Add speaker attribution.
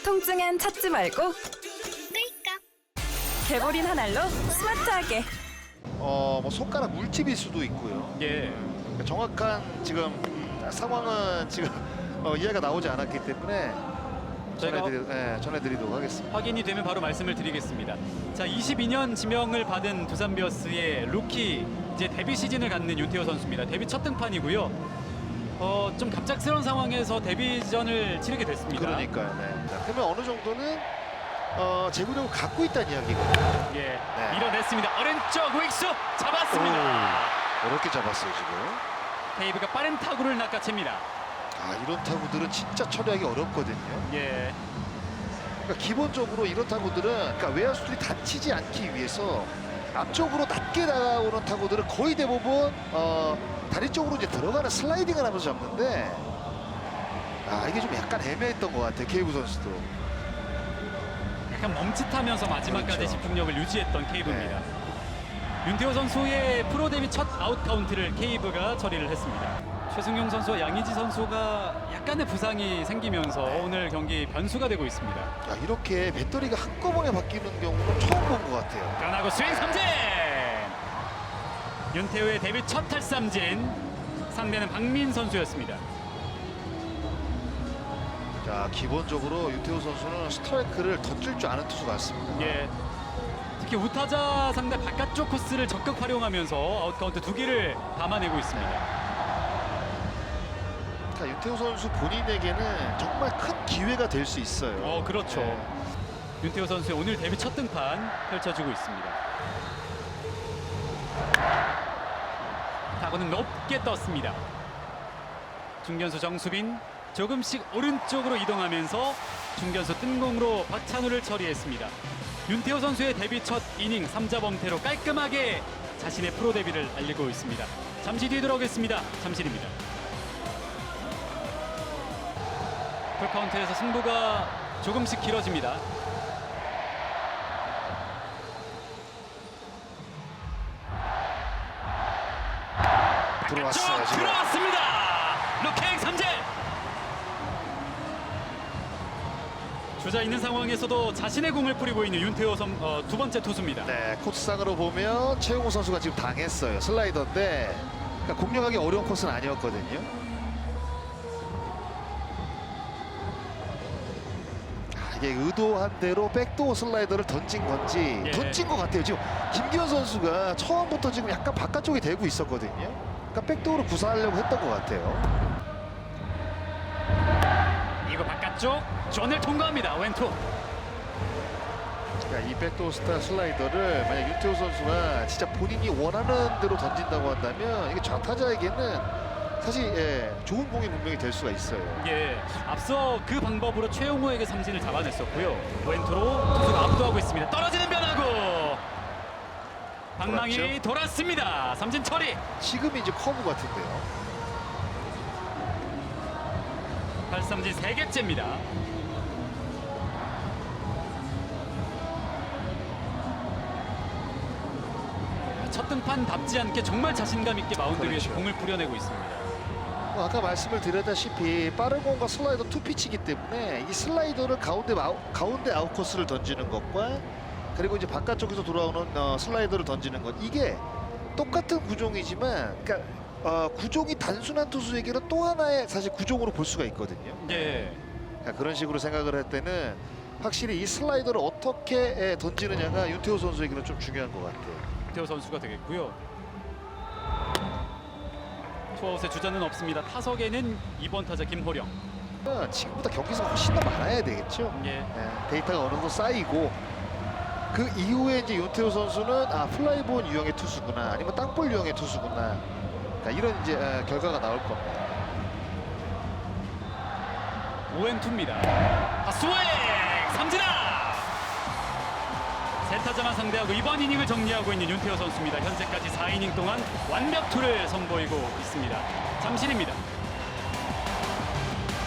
Speaker 1: 통증엔 찾지 말고 개보린 한 알로 스마트하게.
Speaker 2: 뭐 손가락 물집일 수도 있고요.
Speaker 3: 예.
Speaker 2: 그러니까 정확한 지금 상황은 지금 이해가 나오지 않았기 때문에
Speaker 3: 저희가
Speaker 2: 전해드리도록 하겠습니다.
Speaker 3: 확인이 되면 바로 말씀을 드리겠습니다. 자, 22년 지명을 받은 두산 베어스의 루키 이제 데뷔 시즌을 갖는 윤태호 선수입니다. 데뷔 첫 등판이고요. 좀 갑작스러운 상황에서 데뷔전을 치르게 됐습니다.
Speaker 2: 그러니까요. 네. 자, 그러면 어느 정도는 제구력을 갖고 있다는 이야기거든요.
Speaker 3: 예,
Speaker 2: 네.
Speaker 3: 밀어냈습니다. 오른쪽 우익수 잡았습니다.
Speaker 2: 어렵게 잡았어요 지금.
Speaker 3: 테이브가 빠른 타구를 낚아챕니다.
Speaker 2: 이런 타구들은 진짜 처리하기 어렵거든요.
Speaker 3: 예,
Speaker 2: 그러니까 기본적으로 이런 타구들은 그러니까 외야수들이 다치지 않기 위해서 앞쪽으로 낮게 나오는 타구들은 거의 대부분 다리 쪽으로 이제 들어가는 슬라이딩을 하면서 잡는데 이게 좀 약간 애매했던 것 같아요. 케이브 선수도.
Speaker 3: 약간 멈칫하면서 마지막까지
Speaker 2: 그렇죠.
Speaker 3: 집중력을 유지했던 케이브입니다. 윤태호 선수의 프로 데뷔 첫 아웃 카운트를 케이브가 처리를 했습니다. 최승용 선수와 양의지 선수가 약간의 부상이 생기면서 오늘 경기 변수가 되고 있습니다.
Speaker 2: 이렇게 배터리가 한꺼번에 바뀌는 경우는 처음 본 것 같아요.
Speaker 3: 변하고 스윙 삼진! 윤태호의 데뷔 첫 탈삼진. 상대는 박민 선수였습니다.
Speaker 2: 자, 기본적으로 윤태호 선수는 스트라이크를 던질 줄 아는 투수 같습니다.
Speaker 3: 예. 특히 우타자 상대 바깥쪽 코스를 적극 활용하면서 아웃 카운트 2개를 담아내고 있습니다.
Speaker 2: 그러니까 윤태호 선수 본인에게는 정말 큰 기회가 될 수 있어요.
Speaker 3: 그렇죠.
Speaker 2: 네.
Speaker 3: 윤태호 선수의 오늘 데뷔 첫 등판 펼쳐지고 있습니다. 타구는 높게 떴습니다. 중견수 정수빈 조금씩 오른쪽으로 이동하면서 중견수 뜬공으로 박찬우를 처리했습니다. 윤태호 선수의 데뷔 첫 이닝 3자 범퇴로 깔끔하게 자신의 프로 데뷔를 알리고 있습니다. 잠시 뒤에 돌아오겠습니다. 잠실입니다. 풀카운트에서 승부가 조금씩 길어집니다.
Speaker 2: 들어왔어요. 지금.
Speaker 3: 들어왔습니다. 루킹 삼진. 주자 있는 상황에서도 자신의 공을 뿌리고 있는 윤태호 두 번째 투수입니다.
Speaker 2: 네, 코스상으로 보면 최용호 선수가 지금 당했어요. 슬라이더인데 그러니까 공략하기 어려운 코스는 아니었거든요. 이게 의도한 대로 백도어 슬라이더를 던진 건지 던진 것 같아요. 지금 김기현 선수가 처음부터 지금 약간 바깥쪽에 대고 있었거든요. 그러니까 백도어로 구사하려고 했던 것 같아요.
Speaker 3: 이거 바깥쪽 존을 통과합니다. 왼투.
Speaker 2: 그러니까 이 백도어 스타 슬라이더를 만약 윤태호 선수가 진짜 본인이 원하는 대로 던진다고 한다면 이게 좌타자에게는 사실 좋은 공이 분명히 될 수가 있어요.
Speaker 3: 예, 앞서 그 방법으로 최용호에게 삼진을 잡아냈었고요. 왼투로 투수가 압도하고 있습니다. 떨어지는 변화구. 방망이
Speaker 2: 돌았죠?
Speaker 3: 돌았습니다. 삼진 처리.
Speaker 2: 지금이 이제 커브 같은데요.
Speaker 3: 8삼진 3개째입니다. 첫 등판답지 않게 정말 자신감 있게 마운드 위에서 공을 뿌려내고 있습니다.
Speaker 2: 아까 말씀을 드렸다시피 빠른 공과 슬라이더 투피치이기 때문에 이 슬라이더를 가운데 아웃코스를 던지는 것과 그리고 이제 바깥쪽에서 돌아오는 슬라이더를 던지는 것 이게 똑같은 구종이지만 그러니까 구종이 단순한 투수에게는 또 하나의 사실 구종으로 볼 수가 있거든요.
Speaker 3: 예.
Speaker 2: 그러니까 그런 식으로 생각을 할 때는 확실히 이 슬라이더를 어떻게 던지느냐가 윤태호 선수에게는 좀 중요한 것 같아요.
Speaker 3: 태호 선수가 되겠고요. 투아웃의 주자는 없습니다. 타석에는 2번 타자 김호령.
Speaker 2: 지금보다 경기수가 훨씬 더 많아야 되겠죠.
Speaker 3: 예.
Speaker 2: 데이터가 어느 정도 쌓이고 그 이후에 이제 윤태호 선수는 플라이볼 유형의 투수구나 아니면 땅볼 유형의 투수구나 그러니까 이런 이제 결과가 나올 겁니다.
Speaker 3: 오행투입니다. 스윙! 삼진아! 세 타자만 상대하고 이번 이닝을 정리하고 있는 윤태호 선수입니다. 현재까지 4이닝 동안 완벽투를 선보이고 있습니다. 잠실입니다.